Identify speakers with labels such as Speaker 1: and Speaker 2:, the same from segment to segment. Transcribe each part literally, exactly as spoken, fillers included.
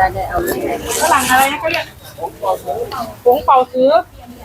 Speaker 1: ได้ได้เอาเลย
Speaker 2: ฝรั่งอะไรนะเขาเรียกผงเป่าซื้อ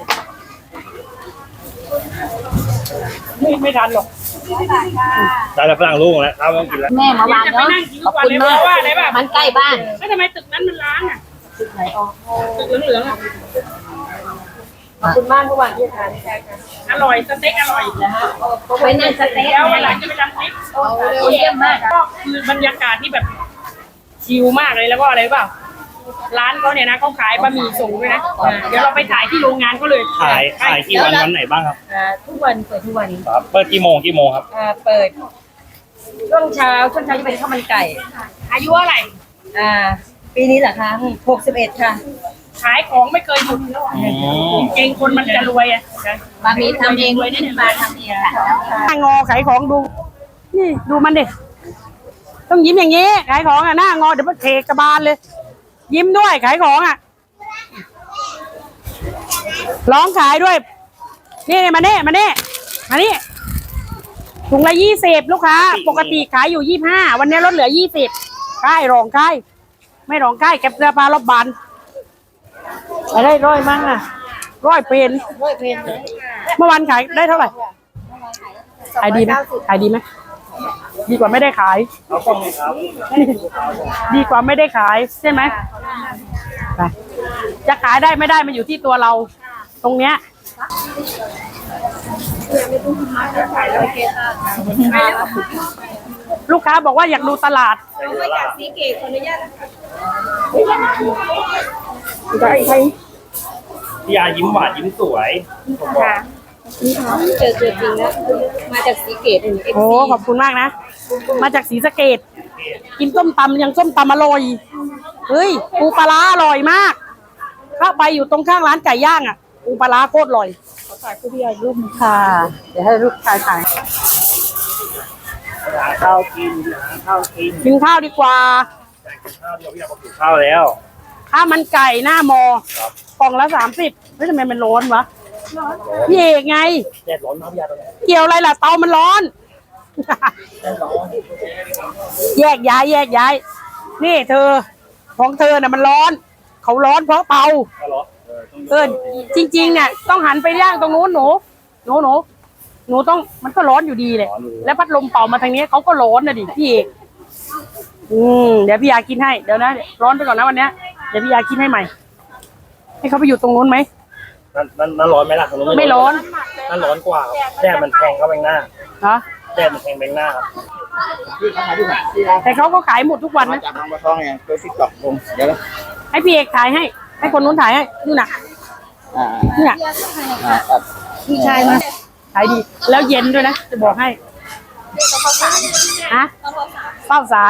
Speaker 2: ไม่ไม่ทันหรอก
Speaker 3: ได้แล้วฝรั่งลูกแล้วเราต้องกินแล้ว
Speaker 1: แม่มาวางเนาะขอบคุณมากมันใกล้บ้าน
Speaker 2: แล้วทำไมตึกนั้นมันล้างอ่ะ
Speaker 1: ตึกไหนออก
Speaker 2: ตึกเหลืองๆอ่ะ
Speaker 1: ขอบคุณมากทุกวันที่ทาน
Speaker 2: อร่อยสเต็กอร่อยนะฮะ
Speaker 1: เป็นยังสเต็ก
Speaker 2: แล้ววันหลังจะไปทำคลิป
Speaker 1: เยี่ยมมาก
Speaker 2: ก็คือบรรยากาศที่แบบชิลมากเลยแล้วก็อะไรเปล่าร้านเขาเนี่ยนะเขาขายบะหมี่ส่งด้วยนะเดี๋ยวเราไปถ่ายที่โรงงานเขาเลย
Speaker 3: ขายขายกี่วันวันไหนบ้างครับ
Speaker 1: ทุกวันเปิดทุกวัน
Speaker 3: ครับเปิดกี่โมงกี่โมงครับ
Speaker 1: เปิดช่วงเช้าช่วงเช้าจะเป็นข้าวมันไก่
Speaker 2: อายุเท่าไหร่
Speaker 1: อ่าปีนี้เหรอคะหกสิบเอ็ดค่ะ
Speaker 2: ขายของไม่เคยหยุดเก่งคนมันจะรวยอ่ะ
Speaker 1: บะหมี่ทำเองเลยนี่มาทำเองค่ะ
Speaker 2: งอขายของดูนี่ดูมันดิต้องยิ้มอย่างนี้ขายของอ่ะหน้างอเดี๋ยวมันเทกระบาลเลยยิ้มด้วยขายของอ่ะร้องขายด้วยนี่มาเน่มาเน่มานี่ถุงละยี่สิบลูกค้าปกติขายอยู่ยี่ห้าวันนี้ลดเหลือยี่สิบค่ายรองค่ายไม่รองค่ายเก็บเสื้อผ้ารอบบานอะไรร้อยมั้งอ่ะร้อยเป็น
Speaker 1: ร้อยเป็น
Speaker 2: เมื่อวานขายได้เท่าไหร่ขายดีไหมขายดีไหมดีกว่าไม่ได้ขายดีกว่าไม่ได้ขายใช่ไหมจะขายได้ไม่ได้มันอยู่ที่ตัวเราตรงเนี้ยลูกค้าบอกว่าอยากดูตลาด
Speaker 1: มาจากสีเกตขออนุญาต
Speaker 2: ได้ใคร
Speaker 3: พี่ยายิ้มหวานยิ้มสวย
Speaker 1: ค่ะนี่ค่ะเจอตัวจริงแล้วมาจากสีเกต
Speaker 2: โอ้ขอบคุณมากนะมาจากศรีสะเกษกินส้มตำยังส้มตำอร่อยเฮ้ยปูปลาร้าอร่อยมากเข้าไปอยู่ตรงข้างร้านไก่ย่างอ่ะปูปลาร้าโคตรอร่อยขอถ่ายคุณพี่ยารูปค่ะเดี๋ยวให้ลูกชายถ่าย
Speaker 3: หาข้าวกินหาข้าวกิน
Speaker 2: กินข้าวดีกว่า
Speaker 3: ข้าวเดียวพี่ยาบอกกินข้าวแล้ว
Speaker 2: ข้าวมันไก่หน้ามอกล่องละสามสิบเฮ้ยทำไมมันร้อนวะพี่เอกไง
Speaker 3: แดดร้อนมากพี่ยาตอนนี้
Speaker 2: เกี่ยวอะไรล่ะเตามันร้อนแยกย้ายแยกย้ายนี่เธอของเธอน่ะมันร้อนเขาร้อนเพราะเตาเออจริงๆเนี่ยต้องหันไปย่างตรงนู้นหนูหนูหนูหนูต้องมันก็ร้อนอยู่ดีเลยแล้วพัดลมเป่ามาทางนี้เขาก็ร้อนนะดิพี่เอกอืมเดี๋ยวพี่ยากินให้เดี๋ยวนะร้อนไปก่อนนะวันนี้เดี๋ยวพี่ยากินให้ใหม่ให้เขาไปอยู่ตรงนู้นไหม
Speaker 3: นั่นนั่นร้อนไหมล่ะ
Speaker 2: ไม่ร้อน
Speaker 3: นั่นร้อนกว่าแดดมันแทงเข้าไปหน้า
Speaker 2: ฮะ
Speaker 3: แดดมันแทงไปหน้าครับ
Speaker 2: แต่เขาก็ขายหมดทุกวันนะ
Speaker 3: จากทางมาท้องไงตัวติ๊กต็อกผมเดี๋ยว
Speaker 2: ให้พี่เอกถ่ายให้ให้คนนู้นถ่ายให้นี่น่ะนี่น่ะพี่ชายมาขายดีแล้วเย็นด้วยนะจะบอกให้ฮะเป้าสาร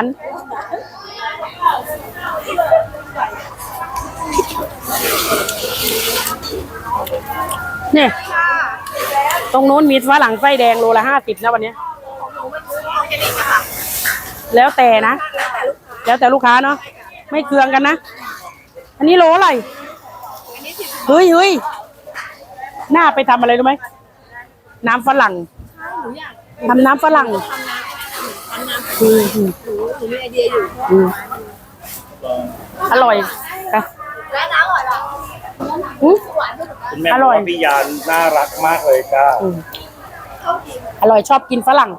Speaker 2: เนี่ยตรงโน้นมีฝรั่งไส้แดงโลละห้าสิบนะวันนี้แล้วแต่นะแล้วแต่ลูกค้าเนาะไม่เคืองกันนะอันนี้โลอะไรเฮ้ยเฮ้ยหน้าไปทำอะไรรู้ไหมน้ำฝรั่งทำน้ำฝรั่งอืมอืมมีไอเดียอยู่อร่อยค่ะ
Speaker 1: แล้วน้ำอร่อยหรอ
Speaker 3: คุณแม่บอกว่าพี่ยาน่ารักมากเลยจ้า
Speaker 2: อร่อยชอบกินฝรั่ง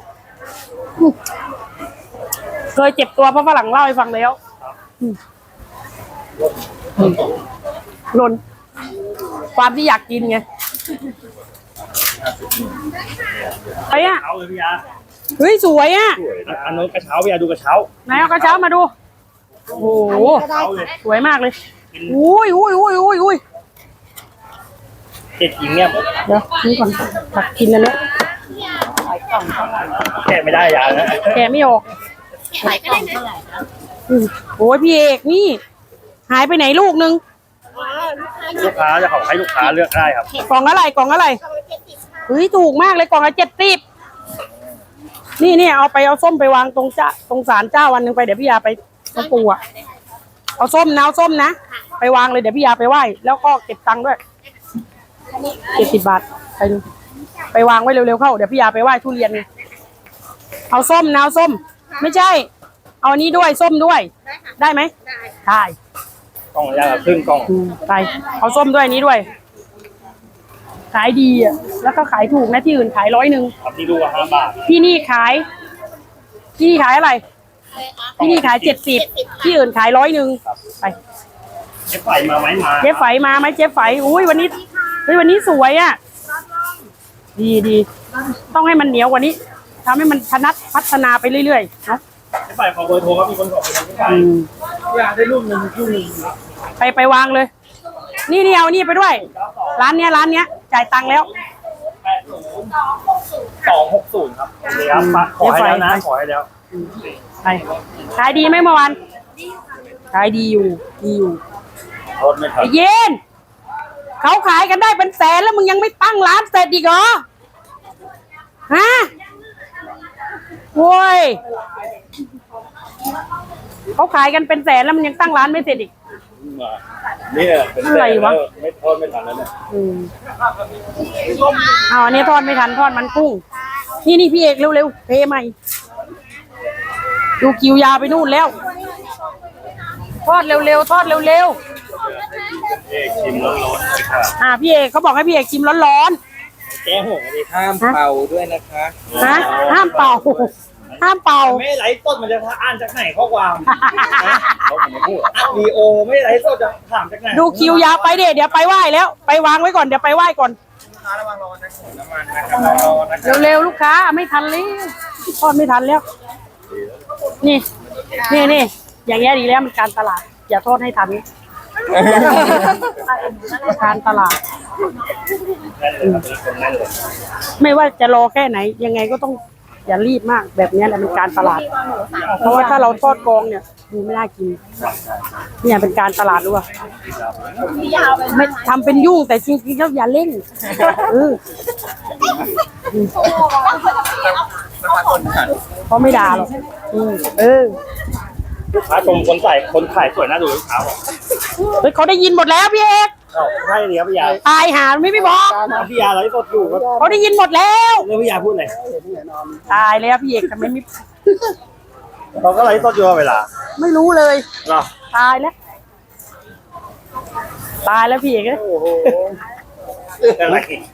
Speaker 2: เคยเจ็บตัวเพราะฝรั่งเล่าให้ฟังแล้วหล่นความที่อยากกินไงไปอ่ะเฮ้ยสวยอ่ะ
Speaker 3: อันนู้นกระเช้าพี่ยาดูกระเช้า
Speaker 2: ไหนเอากระเช้ามาดูโอ้โหสวยมากเลยอุ้ยอุ้ยอุ้ยอุ้ยอุ้ย
Speaker 3: เด็ดจริงเนี่ย
Speaker 2: เดี๋ยวนี่ก่อนตักกินอันนี้
Speaker 3: แกะไม่ได้ยานะ
Speaker 2: แกะไม่ออกหายไปไหนโอ้ยพี่เอกนี่หายไปไหนลูกนึง
Speaker 3: ลูกค้าจะขอให้ลูกค้าเลือกได้ครับ
Speaker 2: กล่องอะไรกล่องอะไรเฮ้ยถูกมากเลยกล่องละเจ็ดสิบนี่นี่เอาไปเอาส้มไปวางตรงจ้าตรงศาลเจ้าวันหนึ่งไปเดี๋ยวพี่ยาไปตรงปูอ่ะเอาส้มนะเอาส้มนะไปวางเลยเดี๋ยวพี่ยาไปไหว้แล้วก็เก็บตังค์ด้วยเจ็ดสิบบาทไปดูไปวางไว้เร็วๆเข้าเดี๋ยวพี่ยาไปไหว้ทุเรียนเอาส้มนะเอาส้มไม่ใช่เอเอาอันนี้ด้วยส้มด้วย ได้ไหมได้
Speaker 3: กล่องละอย่างละครึ่งกล่อง
Speaker 2: อืมไปเอาส้มด้วยอันนี้ด้วย ขายดีอ่ะแล้วก็ขายถูกนะที่อื่นขายร้อยหนึ่ง
Speaker 3: ครับที่ดูว่าห้าบาท
Speaker 2: ที่นี่ขาย ที่นี่ขายอะไร ที่นี่ขายเจ็ดสิบที่อื่นขายร้อยหนึ่งไป
Speaker 3: เจ๊ไฝมาไหมมา
Speaker 2: เจ๊ไฝมาไหมเจ๊ไฝอุ้ยวันนี้เฮ้ยวันนี้สวยอ่ะดีดีต้องให้มันเหนียวกว่านี้ทำให้มันพนัดพัฒนาไปเรื่อยๆเนาะ
Speaker 3: เจ๊ไฝขอเบอร์โทรครับมีคนขอเบอร์เจ๊ไฝ
Speaker 2: อืม
Speaker 3: อยากได้รูปหนึ่งรูปหนึ่ง
Speaker 2: ไปไปวางเลย นี่นี่เอานี่ไปด้วย ร้านเนี้ยร้านเนี้ยจ่ายตังค์แล้ว
Speaker 3: สองหกศูนย์ครับโอเคครับมาขอให้แล้วนะขอให้แล้ว
Speaker 2: ไปขายดีไหมเมื่อวานขายดีอยู่ดีอยู่
Speaker 3: โทษไม่ทัน
Speaker 2: ไอ้เย็นเขาขายกันได้เป็นแสนแล้วมึงยังไม่ตั้งร้านเสร็จอีกเหรอฮะโว้ยเขาขายกันเป็นแสนแล้วมันยังตั้งร้านไม่เสร็จอีก
Speaker 3: มาเนี่ยเป็น
Speaker 2: อะไรวะ
Speaker 3: ไม่โทษไม่ทันแล้วเนี่ย
Speaker 2: อืมเอาอันนี้ทอดไม่ทันทอดมันกุ้ง นี่นี่พี่เอกเร็วๆเทใหม่ดูคิวยาวไปนู่นแล้ว ทอดเร็วๆทอดเร็ว
Speaker 3: เอกชิมร้อนๆเลยค่ะ
Speaker 2: ๆอ่าพี่เอกเขาบอกให้พี่เอกชิมร้อน
Speaker 3: แก้ห่วงเลย
Speaker 4: ห้ามเป่าด้วยนะคะ
Speaker 2: ๆนะห้ามเป่า ห้ามเป่า
Speaker 3: ไม่ไลฟ์สดมันจะอ่านจากไหนข้อความเขาไม่พูดอัดวีโอไม่ไลฟ์สดจะถามจากไหน
Speaker 2: ดูคิวยาวไปเดี๋ยวเดี๋ยวไปไหว้แล้ว ไปวางไว้ก่อนเดี๋ยวไปไหว้ก่อน
Speaker 3: ระวังร้อนนะน้ำมันนะครับร้อนนะครับ
Speaker 2: เร็วๆลูกค้าไม่ทันเลยทอดไม่ทันแล้ว นี่นี่นี่อย่างเงี้ยดีแล้วมันการตลาด อย่าโทษให้ทันการตลาด
Speaker 3: แน่นเลยครับมีคนแน่นเลย
Speaker 2: ไม่ว่าจะรอแค่ไหน ยังไงก็ต้องอย่ารีบมากแบบเนี้ยแหละเป็นการตลาด เพราะว่าถ้าเราทอดกองเนี่ยดูไม่น่ากินเนี่ยเป็นการตลาดรู้ป่ะไม่ทำเป็นยุ่งแต่จริงๆแล้วอย่าเล่นเออเขาไม่ด่าหรอกอืมเออ
Speaker 3: ลูกค้าชมคนใส่คนขายสวยน่าดูลูกค้าบอก
Speaker 2: เฮ้ยเขาได้ยินหมดแล้วพี่เอก
Speaker 3: เอ้าใช่เลยครับพี่ยา
Speaker 2: ตายหาไม่ไม่บอก
Speaker 3: พี่ยาไลฟ์สดอยู่ครับ
Speaker 2: เขาได้ยินหมดแล้ว
Speaker 3: แล้วพี่ยาพูดอะไร
Speaker 2: ตายแล้วพี่เอกทำไมไม่
Speaker 3: เขาก็ไลฟ์สดอยู่เวลา
Speaker 2: ไม่รู้เลย
Speaker 3: เหรอ
Speaker 2: ตายแล้ว ตายแล้วพี่เอกเอ้ย
Speaker 3: โอ้โหอะไร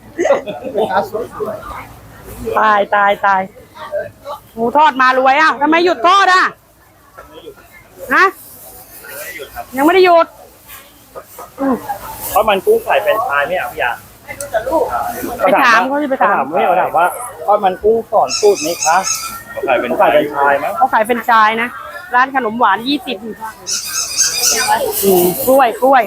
Speaker 2: ตายตายตายหมูทอดมารวยอ่ะทำไมหยุดทอดอ่ะฮะยังไม่ได้หยุดอืม
Speaker 3: เพราะมันกุ้งไข่เป็นชายไม่เอาพี่ยา
Speaker 2: ไปถามเขาสิไปถาม
Speaker 3: ไม่เอาถามว่าทอดมันกุ้งสอนสูตรไหมคะเขาขายเป็นขายเป็นชายมั้ง
Speaker 2: เขาขายเป็นชายนะ ร้านขนมหวานยี่สิบกล้วยกล้วย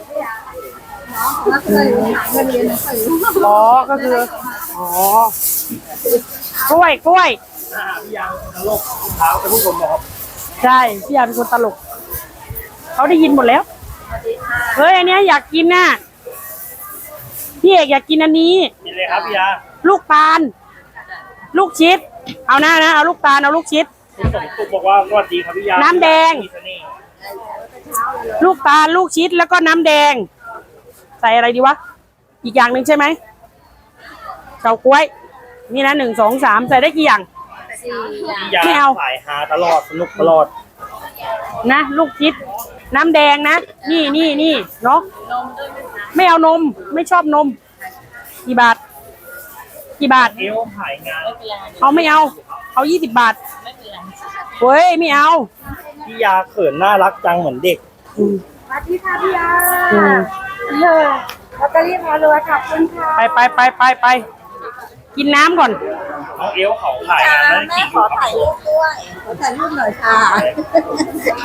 Speaker 2: อ๋อก็คืออ๋อกล้วยกล้วย
Speaker 3: พี่ยาตลกเท้าจะพูดผมบอกครับ
Speaker 2: ใช่พี่ยาเป็นคนตลกเขาได้ยินหมดแล้วเฮ้ยอันเนี้ยอยากกินน่ะพี่เอกอยากกินอันนี้
Speaker 3: กินเลยครับพี่ยา
Speaker 2: ลูกตาล ลูกชิด เอาหน้านะเอาลูกตาลเอาลูกชิด
Speaker 3: คุณสมศุขบอกว่าสวัสดีครับพี่ยา
Speaker 2: น้ำแดง
Speaker 3: มีเสน่ห์
Speaker 2: ลูกตาลลูกชิดแล้วก็น้ำแดง ใส่อะไรดีวะอีกอย่างหนึ่งใช่ไหมเฉาก๊วยนี่นะหนึ่งสองสามใส่ได้กี่อย่าง
Speaker 3: พี่ยา
Speaker 2: ไม่เอา
Speaker 3: สายฮาตลอดสนุกตลอด
Speaker 2: นะลูกชิด น้ำแดงนะนี่นี่นี่เนาะไม่เอานมไม่ชอบนมกี่บาทกี่บาท
Speaker 3: เอวขายงาน
Speaker 2: เอาไม่เอา เอายี่สิบบาทเฮ้ยไม่เอา
Speaker 3: พี่ยาเขินน่ารักจังเหมือนเด็ก
Speaker 2: อืม
Speaker 1: สวัสดีค่ะพี่ยา
Speaker 2: อืม
Speaker 1: เออลอตเตอรี่พารวยขอบคุณค่ะ
Speaker 2: ไปไปไปไปไปกินน้ำก่อน
Speaker 3: น้องเอวเขาขายงานแล้ว
Speaker 1: แม่
Speaker 3: ขี่อ
Speaker 1: ขอยู่
Speaker 3: กับ
Speaker 1: ถ่ายรูปด้วยขอถ่ายรูปหน่อยค่ะ